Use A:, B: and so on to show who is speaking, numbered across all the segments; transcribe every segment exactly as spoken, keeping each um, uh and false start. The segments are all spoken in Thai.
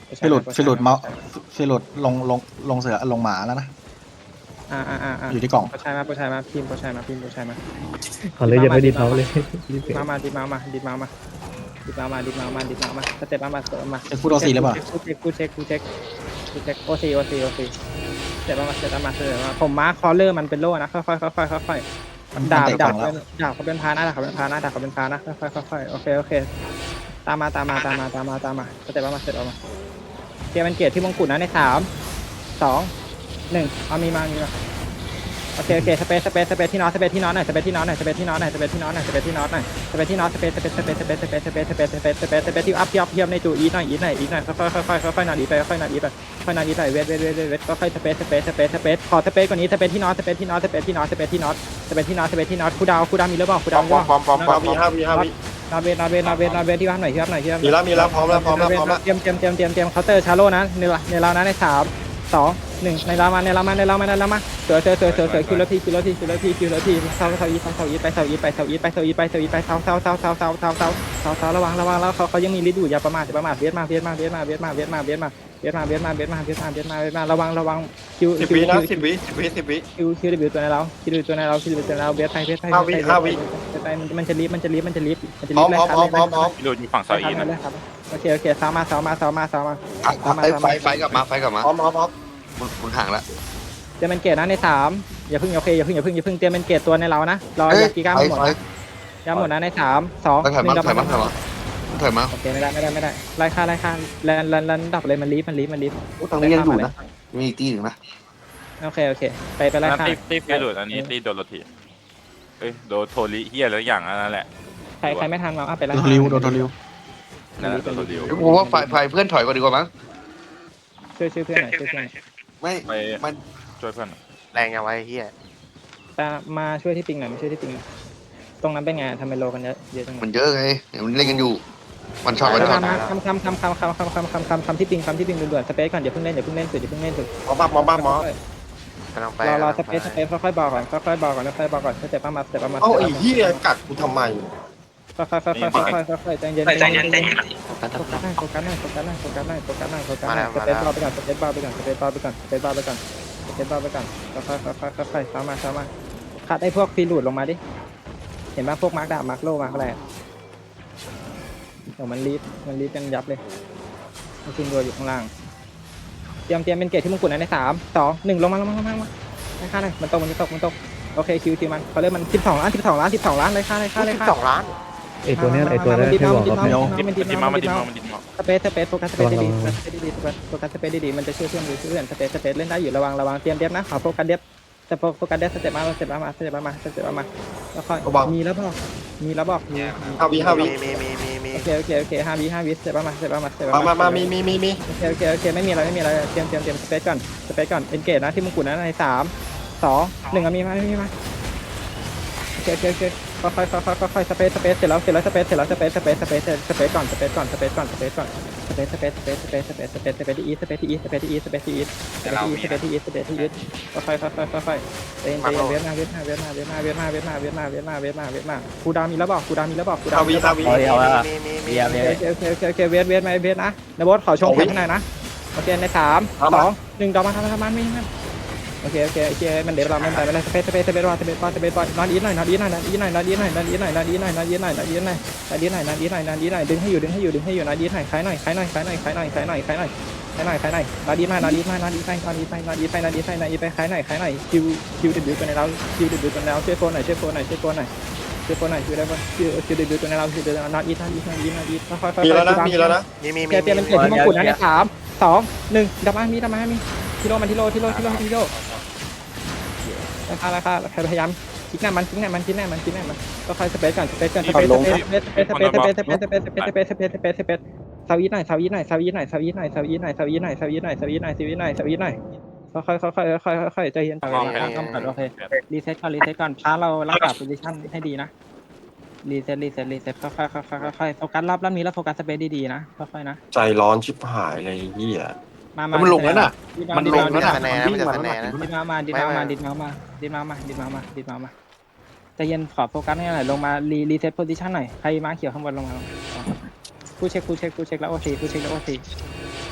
A: ฟิลุดฟิลุดเมาฟิลุดลงลงลงเสือลงหมาแล้วนะ
B: อ่าอ่าอ่า
A: อยู่ที่กล่อง
B: โปรชัยมาโปรชัยมาพิมพ์โปรชัยมาพิมพ์โปรชัยมา
C: เขาเลยยังไม่ดีเขาเลยรีบเปลี่ยน
B: มามาดิมามาดิมามาดิมามาดิมามาดิมามาสเต็ปมามาสเต็ปมา
A: เช็คฟูดโอซีหรือเปล่า
B: กูเช็คกูเช็คกูเช็คกูเช็คโอซีโอซีโอซีสเต็ปมาสเต็ปมาสเต็ปมาผมมาร์คคอลเลอร์มันเป็นโล่นะค่อยค่อยค่อยค่อยค่อยดาบดาบดาบเขาเป็นพานะดาบเขาเป็นพานะดาบเขาเป็นพานะค่อยค่อยค่อยโอเคโอเคตามมาตามมาตามมาตามมาตามมาสเต็ปมาสเต็ปมาเกียร์มันเกียร์ที่มงกุฎนะในสามสองหนึ่งเอามีมามีมาโอเคโอเคสเปซสเปซสเปซที่น็อตสเปซที่น็อตหน่อยสเปซที่น็อตหน่อยสเปซที่น็อตหน่อยสเปซที่น็อตหน่อยสเปซที่น็อตหน่อยสเปซที่น็อตสเปซสเปซสเปซสเปซสเปซสเปซสเปซสเปซสเปซสเปซที่อัพที่อัพเทียมในจูอีทหน่อยอีทหน่อยอีทหน่อยค่อยค่อยค่อยค่อยค่อยนอนอีไปค่อยนอนอีไปค่อยนอนอีไปเวทเวทเวทเวทก็ค่อยสเปซสเปซสเปซสเปซขอสเปซกว่านี้สเปซที่น็อตสเปซที่น็อตสเปซที่น็อตสเปซที่น็อตสเปซที่น็อตสเปซที่น็อตคูดาวคูดาวมีหรือเปล่าคูดาว
D: ปอมปอมปอมปอม
E: มีห้าวิห้าวิ
B: นาเวนาเวนาเวนาเวที่ว่าหน่อยที่ว่าหน่อยที่ว่า
E: มีแล้วมีแล้วพร้อมแล้วพร้อมแล้วพร้อมแล้ว
B: เตรียมเตรียมเตรียมเตรียมเตรียมเคาน์เตอร์ชาโร่นะในในเรานะในสามสองหนึ่งในเรามาในเรามาในเรามาในเรามาเสือเสือเสือเสือเสือคิวแล้วทีคิวแล้วทีคิวแล้วทีคิวแล้วทีเซาเซาอีเซาเซาอีไปเซาอีไปเซาอีไปเซาอีไปเซาอีไปเซาเซาเซาเซาเซาเซาเซาเซาเซาระวังระวังแล้วเขาเขายังมีฤทธิ์อยู่อย่าประมาทอย่าประมาทเวียดมาเวียดมาเวียดมาเวียดมาเวียดมาเวียดมาเวียดมาเวียดมาเวียดมาเวียดมาเวียดมาเวียดมาเวียดมาระวังระวังคิว
E: สิบ
B: คิว
E: วินะสิบวิสิบวิสิบวิ
B: คิวคิวดิบิวตัวในเราคิวดิบิวตัวในเราคิวดิบิวตัวในเราเวียดไปเวียดไปไปมันจะรีบมันจะรีบมันจะรีบมันจะ
E: พ
B: รี
E: ร้อบ ม
B: ไล่
E: พร้อม
B: ครับ
E: พร้อมพร้อมพร้อม
D: พี่หลุดอยู่ฝั่งเสาอีนะ
B: ครับโอเคโอเคสาวมาสาวมาสาวมาสาวมา
F: ไฟไฟกลับมาไฟกลับมา
E: พร้อมพร้อมพร้อม
F: คุณคุณห่างละ
B: เตรียมเป็นเกตนะในสามอย่าเพิ่งโอเคอย่าเพิ่งอย่าเพิ่งอย่าเพิ่งเตรียมเป็นเกตตัวในเรานะรออย่ากีก้า
F: ไฟ
B: หมด
F: ไฟ
B: นะยาหมดนะในสามสอง
F: ถอย
B: ห
F: มา
B: นึ่งดับ
F: ถอยมาถอยมาถอยมา
B: โอเคไม่ได้ไม่ได้ไม่ได้ไล่ค่าไล่ค่าแลนแลนแลนดับเลยมันรีบมันรีบมันรีบ
F: ตรงนี้ยังอยู่นะมีอีกตีหนึ่งนะ
B: โอเคโอเคไปไปไล่
D: นั่น
B: ค่า
D: ตีตีพี่หลุดอันนี้ตีโดนโรทีเอ้ยโดนโทริเฮียแล้วอย่างนั้นแหละ
B: ใครใครไม่ทันมาอ่ะไปไล่
A: โดนโทริวโดนโทริว
D: นั่นแหละโดนโทริ
F: ผมว่าไฟไฟเพื่อนถอยก่อนดีกว่ามั้ง
B: ช่วยช่วยเพื่อนหน่อยช่วยเพื่อน
F: ไม่
D: ไป
F: มัน
D: ช่วยเพื่อน
E: แรงยังไงเฮีย
B: แต่มาช่วยที่ปิงหน่อยมาช่วยที่ปิงตรงนั้นเป็นไงทำไมโลกันเยอะเยอะจัง
F: มันเยอะไงมันเล่นกันอยู่มันช็อตมันช็อต
B: คำคำคำคำคำคำคำคำคำคำที่ปิงคำที่ปิงด่วนๆสเปซก่อนอย่าเพิ่งเล่นอย่าเพิ่งเล่นสุดอย่าเพิ่งเล่นสุด
E: พร้อมปั๊บพร้อมปั๊บหมอ
D: กำลังไป
B: รอรอสเปซสเปซค่อยๆบอกก่อนค่อยๆบอกก่อนค่อยๆบอกก่อนสเต็ปประมาณสเต็ปประมาณ
E: เอ้าไอ้เฮียกัดกูทำไม
B: ค่อยๆค่อยๆค่อยๆค่อยๆใจเย็นใจเย็นใจเย็นโฟกัสหน่อยโฟกัสหน่อยโฟกัสหน่อยโฟกัสหน่อยโฟกัสหน่อยโฟกัสหน่อยสเปซบอลไปก่อนสเปซบอลไปก่อนสเปซบอลไปก่อนสเปซบอลไปก่อนสเปซบอลไปก่อนค่อยๆค่อยๆค่อยๆซ้ำมาซ้ำมาคัดไอ้พวกฟีลูดลงมาดิเห็นไหมพวกมาร์กดาบมาร์กโลมาร์กอะไรเดี๋ยวมันรีบมันรีบกันยับเลยมันชินตัวอยู่ข้างล่างเตรียมเตรียมเป็นเกตที่มงกุฎนะในสามสองหนึ่งลงมาลงมาลงมาลงมาได้ค่าเลยมันตกมันจะตกมันตกโอเคคิวคิวมันเขาเรียกมันสิบสองล้านสิบสองล้านสิบสองล้านเลยค่าเลยค่าเลยค่า
E: สองล้าน
C: ไอตัวเนี้ยไอตัวนั้นที่บอกว่า
D: ดิมดิมมามาดิมมามาดิมมา
B: สเปซสเปซโฟกัสสเปซดีๆสเปซดีๆโฟกัสสเปซดีๆมันจะช่วยเพื่อนช่วยเพื่อนสเปซสเปซเล่นได้อยู่ระวังระวังเตรียมเดฟนะขอโฟกัสเดฟสเปซโฟกัสเดฟสเต็ปมาสเต็ปมาสเต็ปมาสเต็ปมาแล้วค่อยมีแล้วบอกมีแล้วบอกมี
E: ห้าวิห้าวิ
D: มีมีมีมี
B: โอเคโอเคโอเคห้าวิห้าวิสเต็ปมาสเต็ปมาสเต็ป
E: มามามามีมีมีมี
B: โอเคโอเคโอเคไม่มีอะไรไม่มีอะไรเตรียมเตรียมเตรียมสเปซก่อนสเปซก่อนเอ็นเกจนะที่มงกุฎนะในสามสองหนึ่งมีมามีมาโอเคโอเคโอเคค่อยค่อยค่อยค่อยค่อยสเปซสเปซเสร็จแล้วเสร็จแล้วสเปซเสร็จแล้วสเปซสเปซสเปซสเปซก่อนสเปซก่อนสเปซก่อนสเปซก่อนสเปซสเปซสเปซสเปซสเปซสเปซสเปซที่อีสสเปซที่อีสสเปซที่อีสสเปซที่อีสสเปซที่อีสสเปซที่อีสสเปซที่อีสค่อยค่อยค่อยค่อยค่อยเตะเตะเวียดนาเวียดนาเวียดนาเวียดนาเวียดนาเวียดนาเวียดนาเวียดนาเวียดนาเวียดนาคูดามีแล้วบอกคูดามีแล้วบอกคูดา
E: ห้าวิห้าวิ
D: มีมีมี
B: โอเคโอเคโอเคโอเคเวียดเวียดไหมเวียดนะนบอสขอชงแข็งข้างในนะโอเคในสามสองหนึ่งดอกมาทำทำมันไม่ไม่โอเคโอเคโอเคมันเดี๋ยวเราไม่ไปไม่ได้สเปซสเปซสเปซบอลสเปซบอลสเปซบอลนอนอีหน่อยนอนอีหน่อยนอนอีหน่อยนอนอีหน่อยนอนอีหน่อยนอนอีหน่อยนอนอีหน่อยนอนอีหน่อยนอนอีหน่อยนอนอีหน่อยนอนอีหน่อยดึงให้อยู่ดึงให้อยู่ดึงให้อยู่นอนอีหน่อยขายหน่อยขายหน่อยขายหน่อยขายหน่อยขายหน่อยขายหน่อยขายหน่อยขายหน่อยนอนอีหน่อยนอนอีหน่อยนอนอีหน่อยนอนอีหน่อยนอนอีหน่อยนอนอีหน่อยนอนอีไปขายหน่อยขายหน่อยคิวคิวดิบิวตัวในเราคิวดิบิวตัวในเราช่วยโฟนหน่อยช่วยโฟนหน่อยช่วยโฟนหน่อยช่วยโฟนหน่อยช่วยได้ป่ะคิวคิวดิบิวตัวในเราคิวดิบิวนอนอีนอนอีนอนอีนอนอีค่อยๆค่อยๆ
E: มีแล้วนะมีแล้วนะ
D: มีมี
B: เปลี่ยนเปลี่ยนเป็นเกตที่มงกุฎนะในสามสองหนึ่งดับมามีดับมามีทิโลมันทิโลทิโลทิโลทิโลราคาราคาพยายามคิดหน้ามันคิดหน้ามันคิดหน้ามันคิดหน้ามันก็ค่อยสเปซก่อนสเปซก่อนสเปซสเปซสเปซสเปซสเปซสเปซสเปซสเปซสเปซสเปซสเปซสเปซสเปซสวีทหน่อยสวีทหน่อยสวีทหน่อยสวีทหน่อยสวีทหน่อยสวีทหน่อยสวีทหน่อยสวีทหน่อยสวีทหน่อยสวีทหน่อยค่อยค่อยค่อยค่อยค่อยใจเย็นใจเย็นต้องก่อนโอเครีเซ็ตก่อนรีเซ็ตก่อนพาเรารักษาโพซิชั่นให้ดีนะรีเซ็ตรีเซ็ตรีเซ็ตค่อยค่อยค่อยค่อยค่อยโฟกัสรอบรอบนี้แล้วโฟกัสสเปซดีๆนะค่อยๆนะ
E: ใจร้อนชิบหายเลยเฮีย
B: มามา
F: มันลงแล้วน่ะ
B: มันลงแล้ว
F: น่ะ
B: ดิดมามาดิดมามาดิดมามาดิดมามาดิดมามาดิดมามาใจเย็นขอโฟกัสให้หน่อยลงมารีรีเซ็ตโพซิชันหน่อยใครมาเขียวข้างบนลงมาผู้เช็คผู้เช็คผู้เช็คแล้วโอซีผู้เช็คแล้วโอซี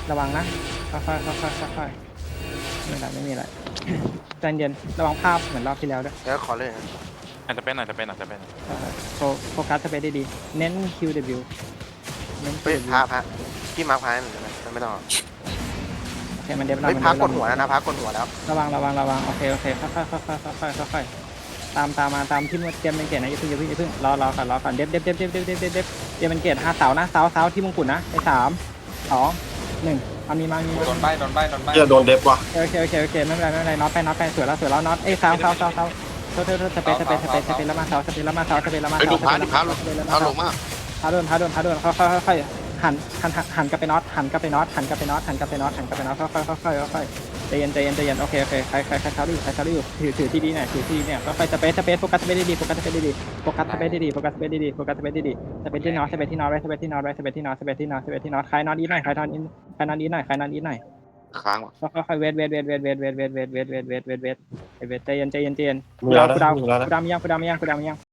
B: ระวังนะค่อยๆค่อยๆค่อยๆไม่มีอะไรไม่มีอะไรใจเย็นระวังภาพเหมือนรอบที่แล้วด้วย
G: แล้วขอเลย
D: อาจจะเป็นอาจจะเป็นอาจจะเป็น
B: โฟโฟกัสสเปซได้ดีเน้น คิว ดับเบิลยู เน้น
G: เฮ้ย
B: คิว
G: พาพาพี่มาร์คพายเหมือนกันนะไม่ต้อง
B: โอเคมันเดฟเรา
G: เฮ้ย
B: มัน
G: พา
B: เดฟ
G: กดหัวแล้วนะพากดหัวแล้ว
B: ระวังระวังระวังโอเคโอเคค่อยๆค่อยๆค่อยๆค่อยๆตามตามมาตามที่มันเตรียมเป็นเกตนะอย่าเพิ่งอย่าเพิ่งอย่าเพิ่งรอรอก่อนรอก่อนเดฟเดฟเดฟเดฟเดฟเดฟเดฟเดฟเตรียมเป็นเกตห้าเสานะเสาเสาที่มงกุฎนะในสามสองหนึ่งเอามีมามีมา
D: โดนใบโดนใบโดนใบ
E: เฮียโดนเดฟว่ะ
B: โอเคโอเคโอเคไม่เป็นไรไม่เป็นไรน็อตไปน็อตไปสวยแล้วสวยแล้วน็อตเอ้ยเสาเสาเสาเสาโทษโทษโทษสเปซสเปซสเปซสเปซแล้วมาเสาสเปซแล้วมาเสาสเปซแล้วมา
F: ไอ้
B: เสา
F: ดูพาดิพาลง
B: สเปซแล้ว
F: พา
B: มา
F: ล
B: เสาง
F: มาก
B: พาโดนพาโดนพาโดนค่อยๆค่อยๆหันหันหันกลับไปน็อตหันกลับไปน็อตหันกลับไปน็อตหันกลับไปน็อตหันกลับไปน็อตค่อยๆค่อยๆค่อยๆใจเย็นใจเย็นใจเย็นโอเคโอเคใครใครใครเท้าอยู่ใครเท้าอยู่ถือถือที่ดีหน่อยถือที่เนี่ยค่อยๆสเปซสเปซโฟกัสสเปซดีๆโฟกัสสเปซดีๆโฟกัสสเปซดีๆโฟกัสสเปซดีๆโฟกัสสเปซดีๆสเปซที่น็อตสเปซที่น็อตไว้สเปซที่น็อตไว้สเปซที่น็อตสเปซที่น็อตสเปซที่น็อตใครน็อตอีหน่อยใครน็อตอีใครน็อตอีหน่อยใครน็อตอีหน่อย
F: ค้างว่ะ
B: ค่อยๆเวทเวทเวทเวทเวทเวทเวทเวทเวทเวทเวทเวทเวทเวทใจเย็นใจเย็นใจเย็น
E: มี
B: กู
E: แล้
B: ดาว ว
E: นะ
B: กูดาว
E: มีแล้วนะ
B: กูดาวมียังกูดาวมียังกูดาวมียัง